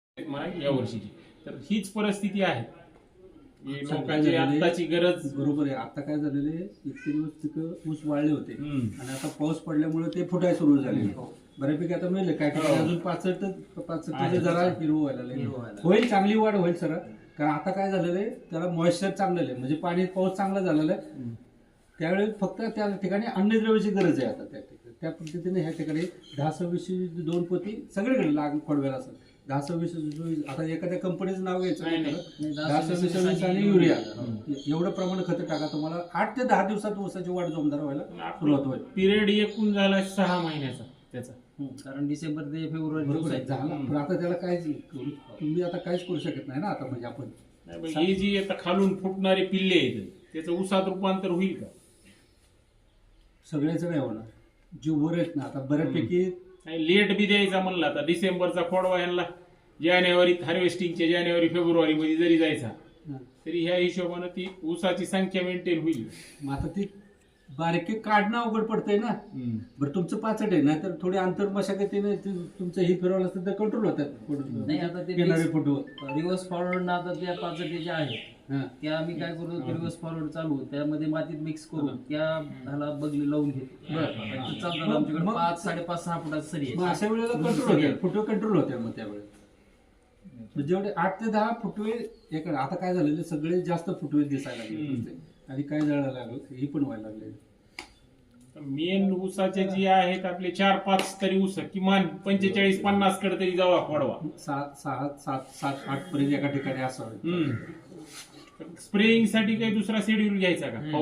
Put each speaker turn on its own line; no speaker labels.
या वर्षीची. तर हीच परिस्थिती आहे. लोकांची आताची गरज.
बरोबर आहे. आता काय झालेले इतके दिवस पिकं ऊस वाळले होते आणि आता पाऊस पडल्यामुळे ते फुटायला सुरू झाले. बऱ्यापैकी आता मिळेल काय काय अजून 65 जरा हिरवं व्हायला लागले. होईल, चांगली वाढ होईल सर. कारण आता काय झालेलं आहे, त्याला मॉइश्चर चांगलं आहे, म्हणजे पाणी पाऊस चांगला झालेला आहे. त्यावेळी फक्त त्या ठिकाणी अन्नद्रव्याची गरज आहे. आता त्या पद्धतीने ह्या ठिकाणी 10-26 2 पोती सगळीकडे लाग पडवेल असं 10-26 आता एखाद्या कंपनीचं नाव घ्यायचं 10-26 आणि युरिया एवढं प्रमाण खत टाका, तुम्हाला 8 ते 10 दिवसात ऊसाची वाढ जोमदार व्हायला सुरुवात होईल.
पिरियड एकूण झाला 6 महिन्याचा त्याचा,
कारण डिसेंबर ते फेब्रुवारी
झाला. पण आता त्याला काय तुम्ही आता काहीच करू शकत नाही ना आता. म्हणजे आपण
ही जी आता खालून फुटणारे पिल्ले आहेत त्याचं ऊसात रूपांतर होईल का?
सगळ्याच नाही होणार. जे वर आहेत ना आता बऱ्यापैकी
लेट बी द्यायचा म्हणला आता डिसेंबरचा खोडवा यांना जानेवारीत हार्वेस्टिंगच्या जानेवारी-फेब्रुवारी मध्ये जरी जायचा तरी ह्या हिशोबानं ती ऊसाची संख्या मेंटेन होईल.
मग आता ती बारके काढणं अवघड पडतंय ना. बरं तुमचं 65 आहे ना, तर थोडी अंतर मशागतीने तुमचं ही फिरवलं असतं तर कंट्रोल होतात.
नाही आता ते
येणारे फोटो
रिव्हर्स फॉरवर्ड ना आता त्या 65 ज्या आहेत त्या आम्ही काय करतो, रिव्हर्स फॉरवर्ड चालू त्यामध्ये मातीत मिक्स करून त्या ह्याला बगली लावून घेतो. चालतात आमच्याकडे 5-5.5-6 फुटाचं सरी आहे.
मग अशा वेळेला कंट्रोल होते, फोटो कंट्रोल होते. मग त्यावेळेस जेवढे 8 ते 10 फुटवे एक. आता काय झालेले सगळे जास्त फुटवे दिसायला लागले आणि काय जळायला लागलं ही पण व्हायला लागले.
मेन ऊसाचे जे आहेत आपले 4-5 तरी ऊस किमान 45-50 कडे तरी जावा खोडवा.
7-8 पर्यंत एका ठिकाणी असावं.
स्प्रेइंग साठी काही दुसरा शेड्यूल घ्यायचा का?